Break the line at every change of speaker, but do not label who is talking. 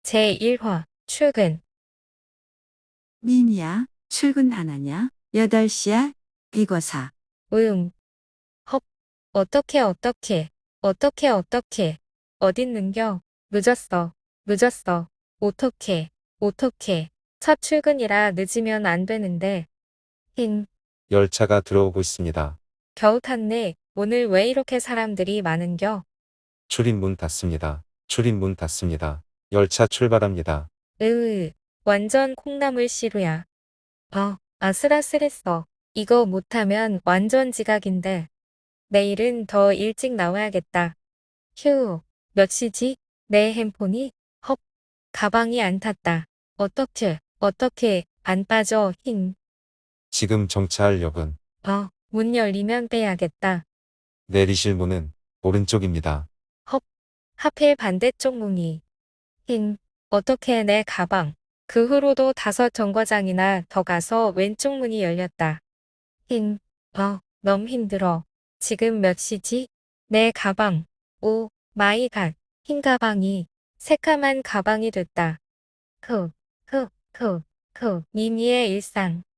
제1화 출근.
민이야, 출근하나냐? 8시야? 이거사.
응. 헉. 어떻게. 어딨는겨? 늦었어. 어떻게. 첫 출근이라 늦으면 안 되는데. 힝.
열차가 들어오고 있습니다.
겨우 탔네. 오늘 왜 이렇게 사람들이 많은겨?
출입문 닫습니다. 출입문 닫습니다. 열차 출발합니다.
으으. 완전 콩나물 시루야. 아슬아슬했어. 이거 못하면 완전 지각인데. 내일은 더 일찍 나와야겠다. 휴, 몇 시지? 내 핸폰이? 헉, 가방이 안 탔다. 어떻게, 안 빠져, 힝.
지금 정차할역은
문 열리면 빼야겠다.
내리실 문은 오른쪽입니다.
헉, 하필 반대쪽 문이. 힝, 어떻게 내 가방. 그 후로도 5 정거장이나 더 가서 왼쪽 문이 열렸다. 힝, 너무 힘들어. 지금 몇 시지? 내 가방. 오, 마이 갓. 흰 가방이 새까만 가방이 됐다. 미미의 일상.